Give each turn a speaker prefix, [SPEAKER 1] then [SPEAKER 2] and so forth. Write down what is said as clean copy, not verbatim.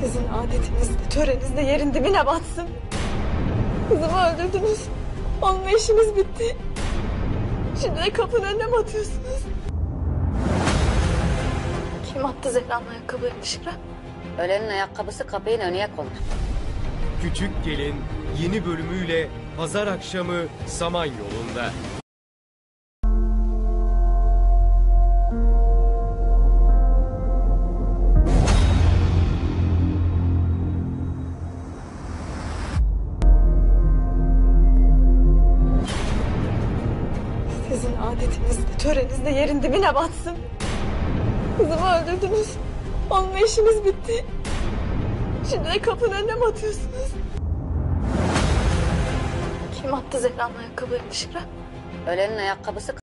[SPEAKER 1] Sizin adetinizde, töreninizde yerin dibine batsın. Kızımı öldürdünüz. Onunla işimiz bitti. Şimdi de kapının önüne mi atıyorsunuz? Kim attı Zehra'nın ayakkabılarını dışarı?
[SPEAKER 2] Ölenin ayakkabısı kapının önüne konur.
[SPEAKER 3] Küçük Gelin yeni bölümüyle pazar akşamı Samanyolu'nda.
[SPEAKER 1] Sizin adetinizde, töreninizde yerin dibine batsın. Kızımı öldürdünüz. Onunla işimiz bitti. Şimdi de kapının önüne mi atıyorsunuz? Kim attı Zehra'nın ayakkabılarını dışarı?
[SPEAKER 2] Ölenin ayakkabısı